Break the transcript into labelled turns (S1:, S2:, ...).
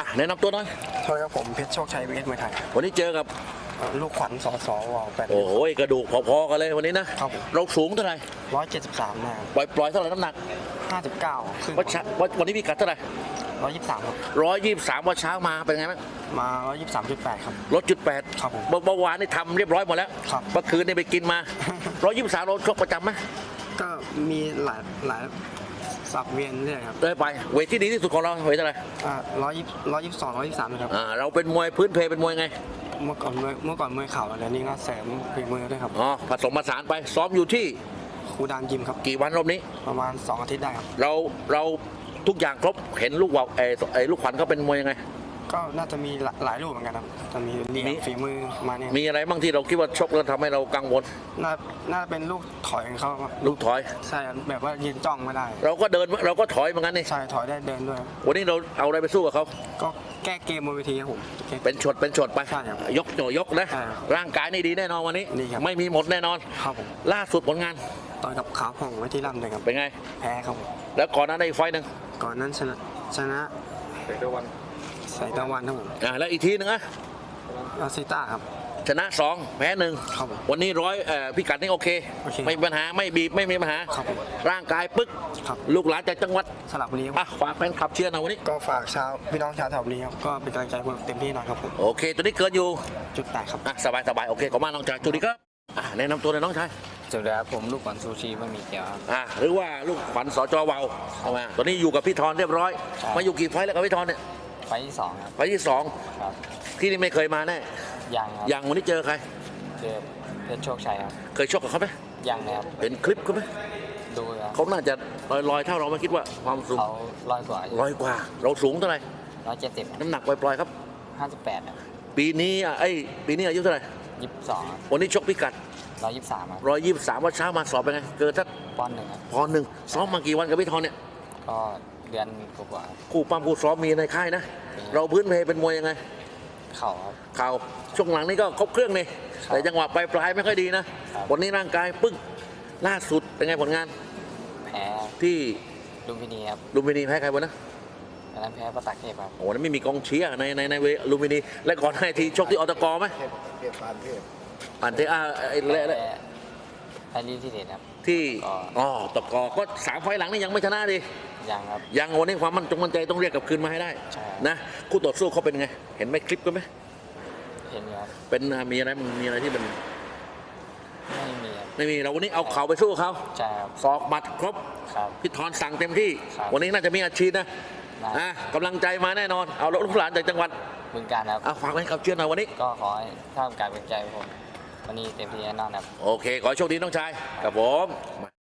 S1: แนะนำตัวหน่อย
S2: สวัสดีครับผมเพชรโชคชัยวีเอสมวยไทย
S1: วันนี้เจอกับ
S2: ลูกขวัญสวแปด
S1: โอ้โหกระดูกพอๆกันเลยวันนี้นะครับเราสูงเท่าไหร่
S2: 173นะ
S1: ปล่อยเท่าไหร่น้ำหนัก
S2: 59ครึ่ง
S1: วันนี้พี่กัดเท่าไหร่
S2: 123ครับ
S1: 123วันเช้ามาเป็นไงบ้าง
S2: มา123.8ครับ
S1: ลดจุด8
S2: ครับผม
S1: เมื่อวานนี่ทำเรียบร้อยหมดแล้ว
S2: ครับ
S1: เมื่อคืนนี่ไปกินมา123เราชกประจำไหม
S2: ก็มีหลายสับเวียนเรื่อยครับ
S1: ได้ไปเวทที่ดีที่สุดของเราเวทเท่าไหร่
S2: 122 123นะครับ
S1: เราเป็นมวยพื้นเพเป็นมวยไง
S2: เมื่อก่อนมวยเข่าแล้วนี่ก็เสริมฝีมือด้วยครับ
S1: ผสมผสานไปซ้อมอยู่ที่
S2: ครูดานยิมครับ
S1: กี่วันรอบนี้
S2: ประมาณ2 อาทิตย์ได้ครับ
S1: เราทุกอย่างครบเห็นลูกว่าวลูกขวัญเขาเป็นมวยยังไง
S2: ก็น่าจะมีหลายรูปเหมือนกันครับจะมีเรียงฝีมือมาเนี่ย
S1: มีอะไรบ้างที่เราคิดว่าชกแล้วทำให้เรากังวล
S2: น่าเป็นลูกถอยของเขาครับ
S1: ลูกถอย
S2: ใช่แบบว่ายืนจ้องไม่ได้
S1: เราก็เดินเราก็ถอยเหมือนกันนี่
S2: ใช่ถอยได้เดินด้วย
S1: วันนี้เราเอาอะไรไปสู้กับเขา
S2: ก็แก้เกมบนเวทีครับผม
S1: เป็นช็อตไป
S2: ใช่ครับ
S1: ยกนะร่างกายนี่ดีแน่นอนวันนี้ไม่มีหมดแน่นอน
S2: ครับผม
S1: ล่าสุดผลงาน
S2: ต่อยกับขาวผ่องไว้ที่ลำเลยครับ
S1: เป็นไง
S2: แพ้ครับ
S1: แล้วก่อนนั้นได้ไฟนึง
S2: ก่อนนั้นชนะใส่ตะวันครับผม
S1: แล้วอีกทีนึงอะ
S2: อาซิต้าครับ
S1: ชนะ2แพ้1
S2: ครับ
S1: วันนี้พิกัดนี่โอเคไม่มีปัญหาไม่บีบไม่มีปัญหาร่างกายปึ๊กลูกหลานจากจังหวัด
S2: สระบุรี
S1: ฝากแฟนคลับเชียร์หน่อยวันนี้
S2: ก็ฝากชาวพี่น้องชาวสระบุรีครับก็เป็นกำลังใจผมเต็มที่หน่อยครับผม
S1: โอเคตัวนี้เกินอยู่
S2: 8ครับ
S1: สบายโอเคขอบคุณน้องชายจุดีครับแนะนำตัวเลยน้องชาย
S2: สวัสดีครับผมลูกขวัญซูชิไม่มีเกี๊ยว
S1: หรือว่าลูกขวัญสจวาวตอนนี้อยู่กับพี่ธรเรียบร้อยมาอยู่กี่ไฟแล้วกับพี่ธรเนี่ย
S2: ไฟที่2ครับ
S1: ไฟที่2ครับที่นี่ไม่เคยมาแน่ยังวันนี้เจอใคร
S2: เจอเพชรโชคชัยครับ
S1: เคยชกกับเขาไหม
S2: ยังเลยครับ
S1: เห็นคลิปเขาไหม
S2: ดูครับ
S1: เขาน่าจะลอยเท่าเราไม่คิดว่าความสูง
S2: เขาลอยกว่า
S1: เราสูงเท่าไหร่
S2: 170
S1: น้ำหนักปล่อยครับ
S2: 58ครับ
S1: ปีนี้อายุเท่าไหร่
S2: 22
S1: วันนี้ชกพิกัด
S2: 123ครับ
S1: 123วันเช้ามาสอบเป็นไงเกินสัก
S2: ปอนด์1ครับ
S1: ปอนด์1ซ้อมมากี่วันกับพี่ธรเนี่ย
S2: ก็เดือนกว่า
S1: คู่ปั้มคู่ซ้อมมีในค่ายนะเราพื้นเพเป็นมวยยังไง
S2: เข่าครับ
S1: เข่าช่วงหลังนี่ก็ครบเครื่องนี่แต่จังหวะปลายไม่ค่อยดีนะวันนี้ร่างกายปึ้งล่าสุดเป็นไงผลงาน
S2: แพ้
S1: ที่
S2: ลุมพินีครับ
S1: ลุมพินีแพ้ใครวะนะ
S2: นั้นแพ้ประตักเทพครับ
S1: โอ้นั้นไม่มีกองเชียร์ในเวลุมพินีและก่อนให้ทีชกที่อตกไหมปานเทพ
S2: ไอรีที่เด็ดครับ
S1: ที่ตกก็3 ไฟล์หลังนี่ยังไม่ชนะดิ
S2: ยังครับ
S1: ยังวันนี้ความมั่นใจต้องเรียกกลับคืนมาให้ได้นะคู่ต่อสู้เขาเป็นไงเห็นไหมคลิปกันไหม
S2: เห็นครับ
S1: เป็นมีอะไรที่มันไม่มีเราวันนี้เอาเข่าไปสู้เขา
S2: ใช่ครับ
S1: ศอกหมัดครบพี่ธรสั่งเต็มที่วันนี้น่าจะมีอาชีพนะกำลังใจมาแน่นอนเอาลูกหลานจากจังหวัด
S2: บึงกาฬครับ
S1: ฝากไว้กับเชื่อหน่อยวันนี้
S2: ก็ขอให้ท่ามกลางเป็นใจผมวันนี้เต็มที่แน่นอนครับ
S1: โอเคขอโชคดีน้องชายกับผม